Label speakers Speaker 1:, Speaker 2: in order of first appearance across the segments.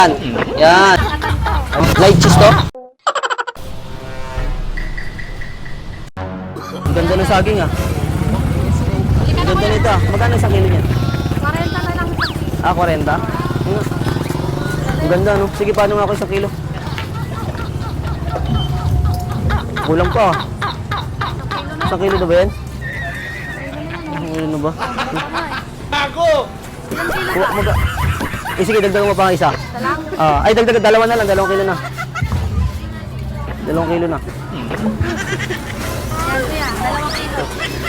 Speaker 1: Yan. Light cheese to. Ang ganda ng saging ah. Ang ganda nito ah. Magkano sa kilo niyan?
Speaker 2: 40 na lang.
Speaker 1: 40? Ang ganda no. Sige, paano nga ako sa kilo? Kulang pa ah. Sa kilo na ba yan? Ano na ba?
Speaker 3: Bago!
Speaker 1: Sige, dagdagan mo pa ang isa. Ay, dagdagan. Dalawa na lang. 2 kilo na. 2 kilo na.
Speaker 2: Yan kuya, 2 kilo.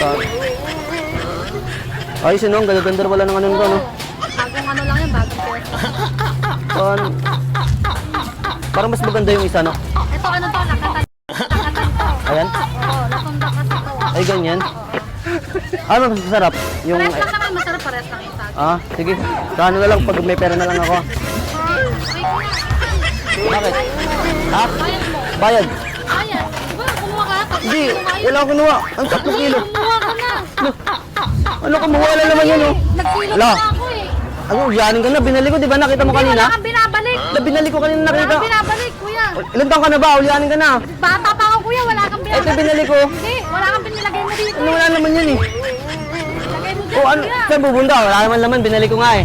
Speaker 1: Ayos yun, no? Ang ganda-ganda wala ng ano ko, no?
Speaker 2: Bagong ano lang yan, bagong pera.
Speaker 1: Parang mas maganda yung isa, no?
Speaker 2: Ito ano to, nakatan to.
Speaker 1: Ayan.
Speaker 2: Oo, natundak kasi to.
Speaker 1: Ay, ganyan. Ano mas masarap? Yung...
Speaker 2: Pares lang naman, masarap pares lang yung saging.
Speaker 1: Sige. Sa ano na lang, pag may pera na lang ako. Bakit? Ha?
Speaker 2: Bayad mo.
Speaker 1: Bayad?
Speaker 2: Bayad. Diba, kumuha ka? Pag
Speaker 1: Hindi,
Speaker 2: kumuha yun.
Speaker 1: wala akong kinuha. Ang 3 kilo.
Speaker 2: Kumuha ka na.
Speaker 1: Ano, kumuha na naman yun, oh.
Speaker 2: Nagkilo
Speaker 1: Wala.
Speaker 2: na ako eh.
Speaker 1: Ano, yanin ka na. Binali ko, di ba? Nakita mo
Speaker 2: Hindi,
Speaker 1: kanina?
Speaker 2: wala kang binabalik.
Speaker 1: Binali ko kanina,
Speaker 2: Wala
Speaker 1: nakita.
Speaker 2: kang binabalik, kuya.
Speaker 1: Ilan taon ka na ba? Ulyanin ka na.
Speaker 2: Bata pa ako, kuya. Wala kang binabalik.
Speaker 1: Ito, binali ko.
Speaker 2: Hindi, wala kang binilagay mo dito.
Speaker 1: Ano, wala naman yan, eh.
Speaker 2: Lagay mo dyan,
Speaker 1: O, ano,
Speaker 2: kuya.
Speaker 1: saan bubunda? Wala naman laman. Binali ko nga, eh.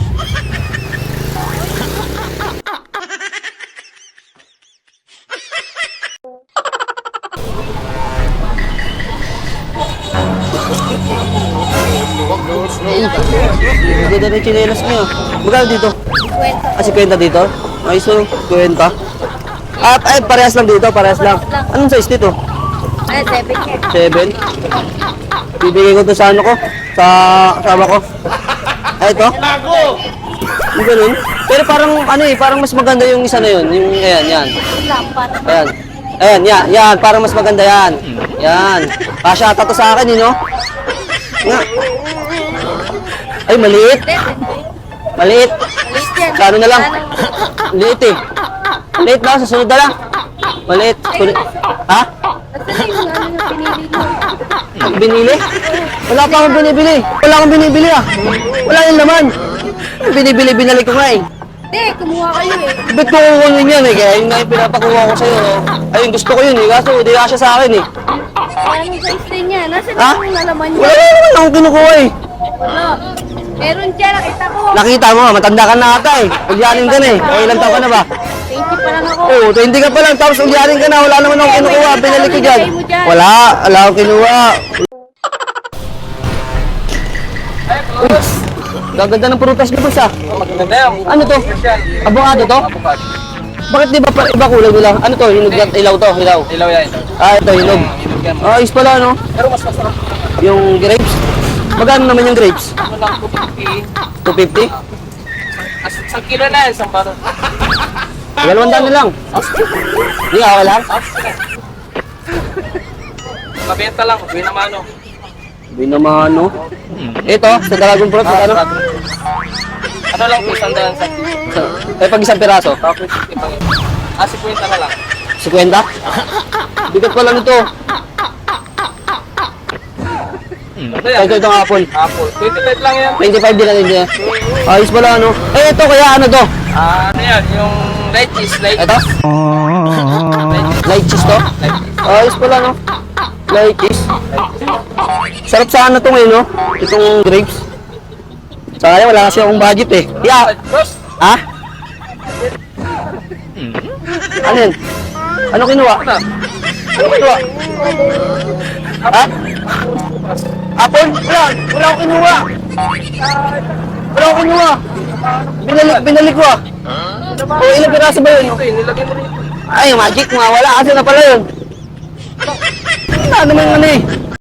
Speaker 1: Hindi na rin chinelas niyo. Magkano dito?
Speaker 2: Kwento.
Speaker 1: 50 dito? Ay, so, 50. At, ay, parehas lang dito, parehas lang. Anong size dito?
Speaker 2: Ay, 7
Speaker 1: 7? Bibigay ko to sa ano ko? Sa kasama ko. Ay, ito?
Speaker 3: Bago!
Speaker 1: Yung ganun. Pero parang, ano eh, parang mas maganda yung isa na yun. Yung, ayan, yan.
Speaker 2: Lampat.
Speaker 1: Ayan. Ayan, yan, yan. Parang mas maganda yan. Yan. Pasyata to sa akin, no? Nga. Ay, maliit. Maliit. Kano na lang? Maliit eh. Maliit na, sa sunod na lang. Maliit. Ha?
Speaker 2: Kasi yung ano yung pinili mo.
Speaker 1: Binili? Wala pa akong binibili. Wala akong binibili ah. Wala yung laman. Binibili, binalik ko nga eh.
Speaker 2: Hindi, kumuha kayo eh.
Speaker 1: Ba't ko kukunin yan eh? Kaya yun nga yung pinapakuha ko sa'yo. Ayun, gusto ko yun eh. Kaso hindi ka siya sa akin eh.
Speaker 2: Kaya anong size din yan? Nasaan
Speaker 1: Ha?
Speaker 2: yung nalaman niya?
Speaker 1: Wala naman akong kinukuha eh.
Speaker 2: Wala. Meron siya, nakita ko.
Speaker 1: Nakita mo, matanda ka na ata eh. Ulyanin ka na eh. O ilang taon ka na ba?
Speaker 2: 20 pa lang ako.
Speaker 1: Oo, 20 ka pa lang. Tapos ulyanin ka na. Wala naman akong kinukuha. Binalik ko dyan. Wala. Wala akong kinuha. Uy, gaganda ng prutas niyo boss ah.
Speaker 3: Maganda yan.
Speaker 1: Ano to? Abogado to? Bakit di ba iba kulay nila? Ano to? Hinog yan? Ilaw to? Ilaw?
Speaker 3: Ilaw yan.
Speaker 1: Ito hinog. Ayos pala no?
Speaker 3: Pero mas masarap.
Speaker 1: Yung grapes? Magkano naman yung grapes?
Speaker 3: Ano lang, 250.
Speaker 1: 250?
Speaker 3: Isang kilo na yan, isang baro.
Speaker 1: 200 na lang. Hindi ka wala?
Speaker 3: Mabenta lang, huwag na mano.
Speaker 1: Binamano. Ito, sa dragon fruit, ano?
Speaker 3: Ano lang po, isang daan sa kilo.
Speaker 1: Pag isang piraso?
Speaker 3: Tapos 50 pa yun. 50 na lang.
Speaker 1: 50? Bigat pala nito.
Speaker 3: Ito yan.
Speaker 1: Ito itong apple.
Speaker 3: Apple. 25 lang yan.
Speaker 1: 25 din natin niya. Ayos pala ano. Eh ito kaya ano to?
Speaker 3: Ano yan, yung light cheese, light
Speaker 1: Ito? Light cheese to? Ayos pala no. Light cheese. Sarap sa ano to ngayon no? Itong grapes. Sayang wala kasi akong budget eh. Yeah.
Speaker 3: Boss,
Speaker 1: Ha? Ano yun? Ano kinuha? Ano kinuha? Ha? Apple? Wala. Wala akong kinuha. Wala akong kinuha. Binalik ko ah. O ilang piraso ba yun?
Speaker 3: okay, nilagay mo rin.
Speaker 1: Ay, magic nga. Wala kasi na pala yun. Wala naman ano eh.